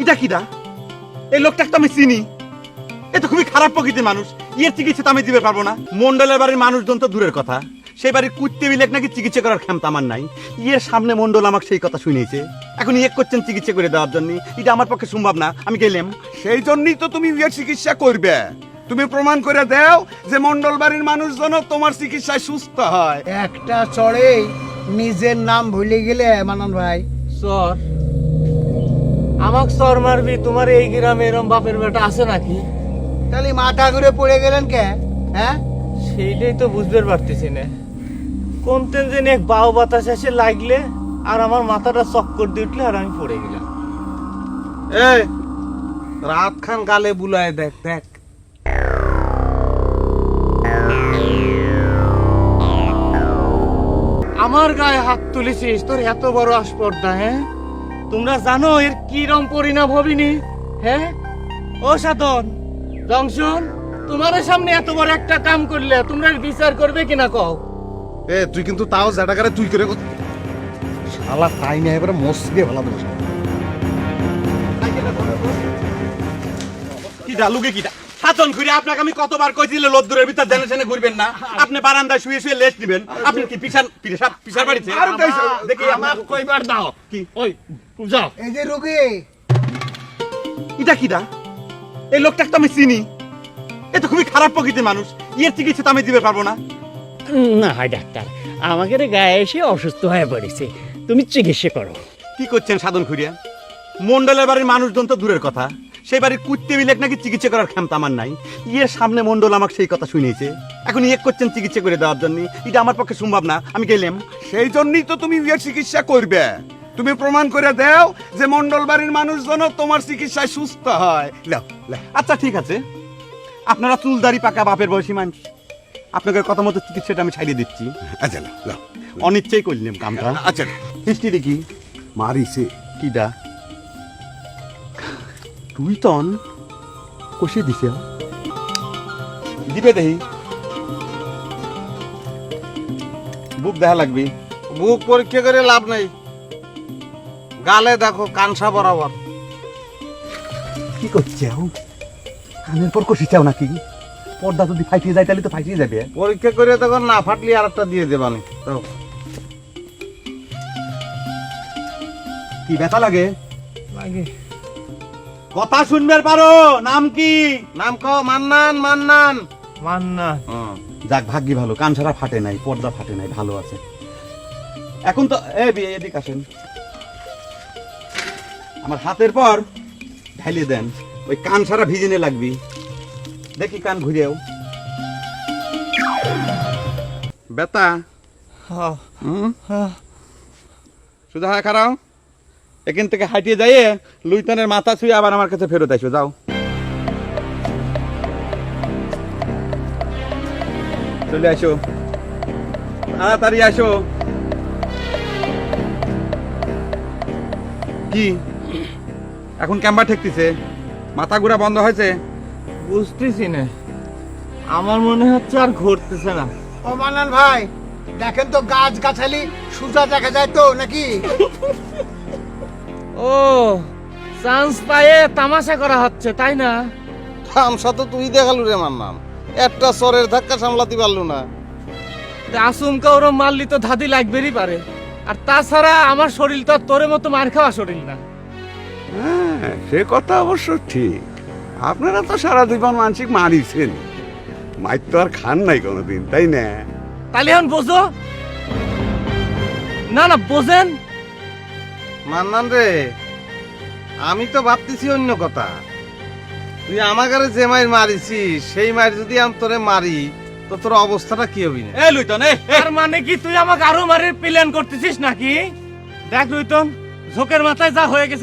এটা কিডা? এই লোকটাকে তো আমি চিনি। এ তো খুবই খারাপ প্রকৃতির মানুষ। এর চিকিৎসা তো আমি দিতে পারবো না। মন্ডলের বাড়ির মানুষজন তো দূরের কথা, সেই বাড়ির কুত্তে বিলেক নাকি চিকিৎসা করার ক্ষমতা আমার নাই। ইয়ের সামনে মন্ডল আমাকে সেই কথা শুনিয়েছে, এখন ইয়ে করছেন চিকিৎসা করে দেওয়ার জন্য। এটা আমার পক্ষে সম্ভব না, আমি গেলাম। সেই জন্যই তো তুমি বিয়ের চিকিৎসা করবে। তুমি প্রমাণ করে দাও যে মন্ডল বাড়ির মানুষজন তোমার চিকিৎসায় সুস্থ হয়। একটা চড়ে নিজের নাম ভুলে গেলে মানান ভাই। সর আমাক সর মারবি? তোমার এই গ্রামে এরম বাপের বেটা আছে নাকি? তাহলে মাথা ঘুরে পড়ে গেলেন কে? হ্যাঁ, সেইটাই তো বুঝতে পারতেছি না। কোন তেন যেন এক বাউ বাতাস এসে লাগলে আর আমার মাথাটা চক্কর দিয়ে উঠলে আর আমি পড়ে গেলাম। এই রাত খান গালে বুলায় দেখ দেখ। আমার গায়ে হাত তুলেছিস, তোর এত বড় আসপর্দা? হ্যাঁ, তোমরা জানো এর কিরম পরিণাম হবিনি? হ্যাঁ ও সাধন জংশন, তোমার সামনে এত বড় একটা কাম করলে তোমরা বিচার করবে কিনা কও? এ তুই কিন্তু তাও জাটাকারে তুই করে শালা তাই না এবারে মসকে ভালো দেবো। কিডা লুকে কিডা? সাতন ঘুরে আপনাকে আমি কতবার কইছিল লদ্দুরের ভিতর জেনে জেনে ঘুরবেন না। আপনি বারান্দায় শুয়ে শুয়ে লেস্ট দিবেন। আপনি কি পিছার বাড়িতে? দেখি আমার কইবার দাও কি? ওই যাও। এই যে রুগী, এটা কিডা? এই লোকটাকে তো আমি চিনি। এ তো খুবই খারাপ প্রকৃতির মানুষ। এর চিকিৎসা তো আমি দিতে পারবো না। না হয় ডাক্তার, আমাদের গায়ে এসে অসুস্থ হয়ে পড়েছে, তুমি চিকিৎসা করো। কি করছেন সাধন খুঁড়িয়া? মন্ডলের বাড়ির মানুষজন তো দূরের কথা, সেই বাড়ির কুত্তে বিলেক নাকি চিকিৎসা করার ক্ষমতা আমার নাই। ইয়ের সামনে মন্ডল আমাকে সেই কথা শুনিয়েছে, এখন ইয়ে করছেন চিকিৎসা করে দেওয়ার জন্য। এটা আমার পক্ষে সম্ভব না, আমি গেলাম। সেই জন্যই তো তুমি বিয়ের চিকিৎসা করবে। তুমি প্রমাণ করে দাও যে মন্ডল বাড়ির মানুষজন তোমার চিকিৎসায় সুস্থ হয়। লাও লাও। আচ্ছা ঠিক আছে, আপনারা চুলদারি পাকা বাপের বয়সী মানুষ, আপনাদের কথা মতো চিকিৎসাটা আমি ছাড়িয়ে দিচ্ছি। আচ্ছা লাও লাও। অনিচ্ছাই করলাম কামটা। আচ্ছা হিস্ট্রি দেখি। মারিছে। কিডা? তুই তন কষিয়ে দিছে দিবে দেখি। বুক দেখা লাগবে। বুক পরীক্ষা করে লাভ নাই, গালে দেখো কানসা বরাবর। কি করছে কানের পর কষি চাও নাকি? পর্দা যদি ফাইটিয়ে যায় তাহলে তো ফাইটিয়ে যাবে। পরীক্ষা করে তখন না ফাটলি আর একটা দিয়ে দেবানি তো। কি ব্যথা লাগে? লাগে। কথা শুনবে পারো? নাম কি? নাম কও। মান্নান। মান্নান মান্না। যাক ভাগ্যি ভালো, কান ছাড়া ফাটে নাই, পর্দা ফাটে নাই, ভালো আছে এখন তো। এদিক আসেন, আমার হাতের পর ঢালিয়ে দেন। ওই কান ছাড়া ভিজিনে লাগবি। দেখি কান ঘুরেও। বেতা হ্যাঁ শুধু হ্যাঁ খারাও। এখান থেকে হাঁটিয়ে যাইয়ে লুইতনের মাথা ছুঁয়ে আবার আমার কাছে ফেরত আসো। যাও, চলে আসো, তাড়াতাড়ি আসো। কি এখন ক্যাম্বা ঠেকতেছে? মাথা ঘুরা বন্ধ হয়েছে? বুঝতেছি না, আমার মনে হচ্ছে আর ঘুরতেছে না। ও মানান ভাই, দেখেন তো গাছ গাছালি সুজা দেখা যায় তো নাকি? ও চান্স পায়ে তামাশা করা হচ্ছে তাই না? তামসা তো তুই দেখালু রে মান্নান, একটা সরের ধাক্কা সামলাতে পারলু না। আচমকা ওরম মারলি তো ধাদি লাগবেরই পারে। আর তাছাড়া আমার শরীর তো আর তোর মতো মার খাওয়া শরীর না। হ্যাঁ, সে কথা অবশ্য ঠিক। আপনারা তো সারা জীবন মানসিক মারিছেন, মাইর তো আর খান নাই কোনোদিন, তাই না? তাহলে এখন বোঝো না? না বোঝেন? মান্নান রে, আমি তো ভাবতেছি অন্য কথা। তুই আমাকে যে মাইর মারিছিস সেই মাইর যদি আমি তোরে মারি তো তোর অবস্থাটা কি হবি না? লুইতন, তার মানে কি তুই আমাকে আরো মারের প্ল্যান করতেছিস নাকি? দেখ লুইতন, ঝোঁকের মাথায় যা হয়ে গেছে